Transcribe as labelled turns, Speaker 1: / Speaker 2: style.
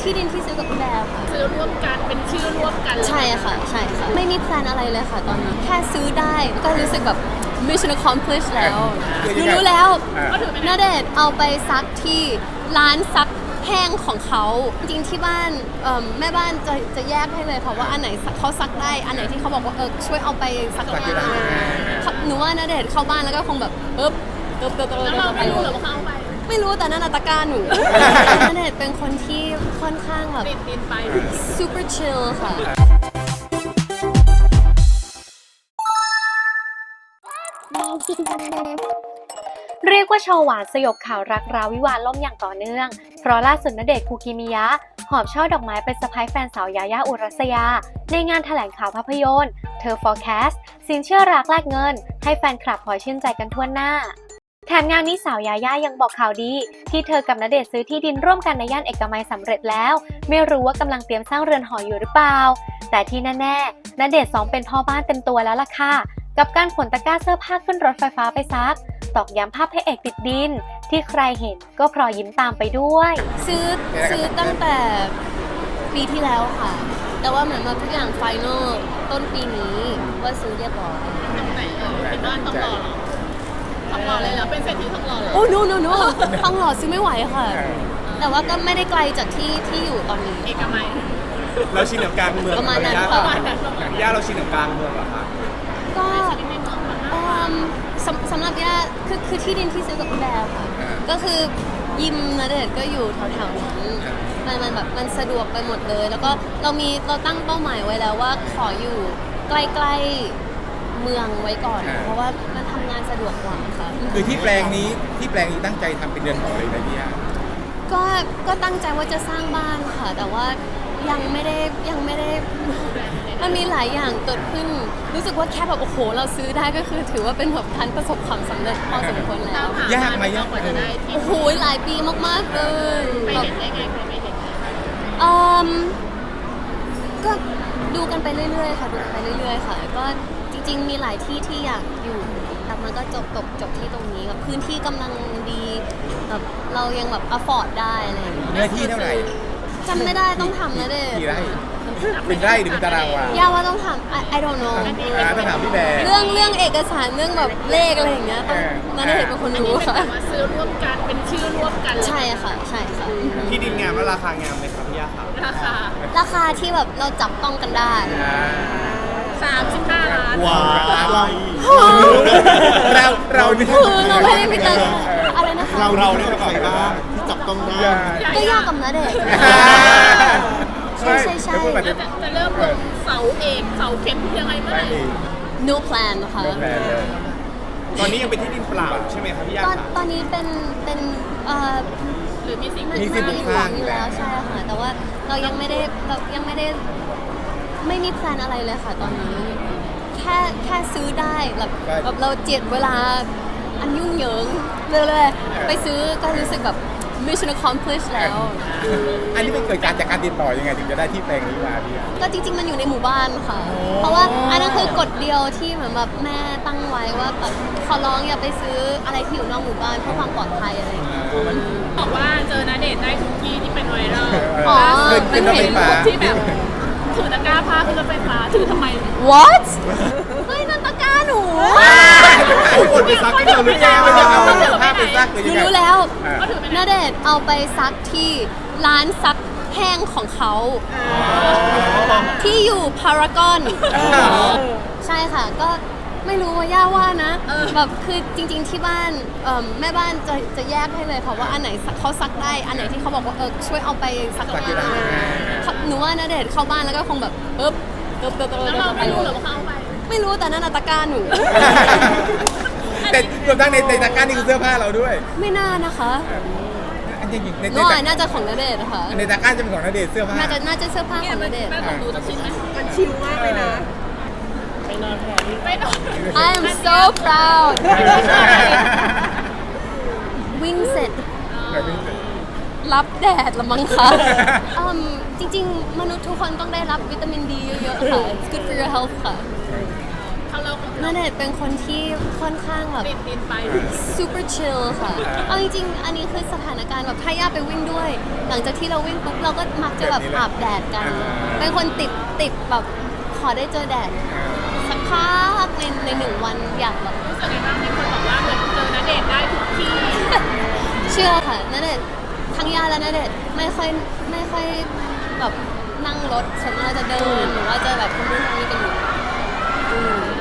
Speaker 1: ที่ดินที่ซื้อกับพี่แบร์ค่ะ
Speaker 2: ซื้อร่วมกันเป็นชื่อร่วมกัน
Speaker 1: ใช่ค่ะใช่ค่ะไม่มีแพลนอะไรเลยค่ะตอนนี้แค่ซื้อได้ก็รู้สึกแบบ mission accomplished แล้วรู้แล้วณเดชน์เอาไปซักที่ร้านซักแห้งของเขาจริงที่บ้านแม่บ้านจะแยกให้เลยค่ะว่าอันไหนเขาซักได้อันไหนที่เขาบอกว่าช่วยเอาไปซักที่ร้านหนูว่าณเดชน์เข้าบ้านแล้วก็คงแบบ
Speaker 2: แล้วเราไม่รู้หรอว่าเขาเอาไป
Speaker 1: ไม่รู้แต่นั่นตะกร้าหนูณเดชน์เป็นคนที่ค่อนข้างแบบ
Speaker 2: ติดดินไป
Speaker 1: super chill ค่ะ
Speaker 3: เรียกว่าโชว์หวานสยบข่าวรักราวิวาห์ล่มอย่างต่อเนื่องเพราะล่าสุดณเดชน์คูกิมิยะหอบช่อดอกไม้ไปเซอร์ไพรส์แฟนสาวยายาอุรัสยาในงานแถลงข่าวภาพยนตร์เธอ Forecast สินเชื่อรักแลกเงินให้แฟนคลับพลอยชื่นใจกันทั่วหน้าแถมงานนี้สาวยาย่ายังบอกข่าวดีที่เธอกับณเดชน์ซื้อที่ดินร่วมกันในย่านเอกมัยสำเร็จแล้วไม่รู้ว่ากำลังเตรียมสร้างเรือนหออยู่หรือเปล่าแต่ที่แน่ๆณเดชน์2เป็นพ่อบ้านเต็มตัวแล้วล่ะค่ะกับการขนตะกร้าเสื้อผ้าขึ้นรถไฟฟ้าไปซักตอกย้ำภาพพระเอกติดดินที่ใครเห็นก็พลอยยิ้มตามไปด้วย
Speaker 1: ซื้อตั้งแต่ปีที่แล้วค่ะแต่ว่าเหมือนมาทุกอย่างไฟนอลต้นปีนี้ว่าซื้อเรียบร้อย
Speaker 2: ตรงไหนเป็นบ้านต้องรอต้องรอเลยแล้วเป็นเศรษฐีต้องรอเลย
Speaker 1: โอ้โนต้องรอซื้อไม่ไหวค่ะแต่ว่าก็ไม่ได้ไกลจากที่อยู่ตอนนี้
Speaker 2: เอกมัย
Speaker 4: เราชินกับกลางเมือง
Speaker 1: ประมาณนั้นค่ะ
Speaker 4: อย่างย่าเราชินกับกลางเมืองเหรอคะ
Speaker 1: ก็สำหรับย่าคือที่ดินที่ซื้อกับพี่แบร์ค่ะก็คือยิมณเดชน์ก็อยู่แถวๆนั้นมันแบบมันสะดวกไปหมดเลยแล้วก็เราตั้งเป้าหมายไว้แล้วว่าขออยู่ใกล้ๆเมืองไว้ก่อนเพราะว่ามันทำงานสะดวกกว่าค่ะ
Speaker 4: คือที่แปลงนี้ตั้งใจทำเป็นเรือนหอเลยนะพี่ย่า
Speaker 1: ก็ตั้งใจว่าจะสร้างบ้านค่ะแต่ว่ายังไม่ได้มันมีหลายอย่างเกิดขึ้นรู้สึกว่าแค่แบบโอ้โหเราซื้อได้ก็คือถือว่าเป็นแบบการประสบความสำเร็จพอสมควรแล้ว
Speaker 4: ยากไหม
Speaker 2: กว่าจะได้ที่
Speaker 1: โอ้โหหลายปีมากๆเลย
Speaker 2: ไปเห็นได้ไงใครไม่เห็น
Speaker 1: ก็ดูกันไปเรื่อยๆค่ะดูกันไปเรื่อยๆค่ะก็จริงๆมีหลายที่ที่อยากอยู่แต่มันก็จบที่ตรงนี้แบบพื้นที่กำลังดีแบบเรายังแบบ afford ได้อะไรอย่างเงี้ย
Speaker 4: เนื้อที่เท่าไหร่
Speaker 1: จำไม่ได้ต้องทำนะเด็ก
Speaker 4: กี่ไร่เป็นไร่หรือเป็นตารางวา
Speaker 1: ย่าว่าต้องทำ I don't know
Speaker 4: ต้องถามพี่แบร์
Speaker 1: เรื่องเอกสารเรื่องแบบเลขอะไรอย่างเงี้ยต้องนั่นเด็กเป็นคนรู้ค่ะ
Speaker 2: ซื้อร่วมกันเป็นชื่อร่วมกัน
Speaker 1: ใช่ค่ะ
Speaker 4: ที่ดินงามและราคางามไหมครับพี่ย่าครับ
Speaker 1: ราคาที่แบบเราจับต้องกันได้
Speaker 2: 35 ล้าน
Speaker 4: ว้าวเรา
Speaker 1: ไม่ได้ไปเติมอะไรนะคะ
Speaker 4: เราเนี่ยใครบ้างที่จับต้องได้
Speaker 1: ก็ยากกับนะเด็กใช่
Speaker 2: จะเริ่มลงเสาเอกเสาเข็มยังไงเมื่อไหร่
Speaker 1: no plan นะคะ
Speaker 4: ตอนนี้ยังเป็นที่ดินเปล่าใช่ไหมครับพี่ย่า
Speaker 1: ตอนนี้เป็น
Speaker 2: หรือมีสิ่ง
Speaker 1: อยู่แล้วใช่ค่ะแต่ว่าเรายังไม่ได้ไม่มีแพลนอะไรเลยค่ะตอนนี้แค่ซื้อได้แบบเราเจียดเวลาอันยุ่งเหยิงเลยไปซื้อก็รู้สึกแบบ mission accomplished แล้ว
Speaker 4: อันนี้เป็นเกิดการจากการติดต่อยังไงถึงจะได้ที่แปลงนี้มาพี่
Speaker 1: ก็จริงๆมันอยู่ในหมู่บ้านค่ะเพราะว่าอันนั้นคือกฎเดียวที่เหมือนแบบแม่ตั้งไว้ว่าแบบขอร้องอย่าไปซื้ออะไรที่อยู่นอกหมู่บ้านเพื่อความปลอดภัยอะไรอย่างเงี้ย
Speaker 2: บอกว่าเจอณเดชน์ได้ทุกที่ที่เป็นไวรัล
Speaker 1: เป็น
Speaker 2: เห็นที่แบบถือตะกร้าผ้าขึ้นรถไฟฟ้าถือทำไม
Speaker 1: What เฮ้ยนั่นตะกร้าหนู
Speaker 4: คนไปซักที่เราหรือยังผ้าไปซักหรือยังไง
Speaker 1: รู้แล้วณเดชน์เอาไปซักที่ร้านซักแห้งของเขาที่อยู่พารากอนใช่ค่ะก็ไม่รู้ว่าย่าว่านะแบบคือจริงๆที่บ้านแม่บ้านจะแยกให้เลยค่ะว่าอันไหนเขาซักได้อันไหนที่เขาบอกว่าช่วยเอาไปซักที่ร้านหนูว่าณเดชน์เข้าบ้านแล้วก็คงแบบ
Speaker 2: แล้วเราไม่รู้หรอว่าเขาเอาไป
Speaker 1: ไม่รู้แต่นั่นตะกร้าหนู
Speaker 4: แต่รวมทั้งในตะกร้านี่คือเสื้อผ้าเราด้วย
Speaker 1: ไม่น่านะคะน่าจะของณเดชน์ค่ะ
Speaker 4: ในตะกร้าจะเป็นของณเดชน์เสื้อผ้า
Speaker 1: น่าจะเสื้อผ้าของณเดชน์
Speaker 2: ของดูจะชิลไหม
Speaker 5: มันชิลมากเลยนะ
Speaker 2: ไม่นอน
Speaker 1: I am so proud วิ่งเสร็จรับแดดละมั้งคะจริงๆมนุษย์ทุกคนต้องได้รับวิตามินดีเยอะๆค่ะ It's good for your health ค่ะ
Speaker 2: เข้าโลกของ
Speaker 1: ณเดชน์เป็นคนที่ค่อนข้างแบบ
Speaker 2: ดินไป
Speaker 1: super chill ค่ะ เอาจริงๆ อันนี้คือสถานการณ์แบบถ้าย่าไปวิ่งด้วย หลังจากที่เราวิ่งปุ๊บเราก็มักจะแบบอาบแดดกัน เป็นคนติดแบบขอได้เจอแดดสักพักในหนึ่งวันอยากแบบ
Speaker 2: รู้สึกไงบ้างมีคนบอกว่าเหมือนเจอณเดชน์ได้ทุกที่
Speaker 1: เชื่อค่ะณเดชน์ทั้งย่าและณเดชน์ไม่ค่อยแบบนั่งรถส่วนมากเราจะเดินหรือว่าจะแบบทำนู่นทำนี่กันอยู่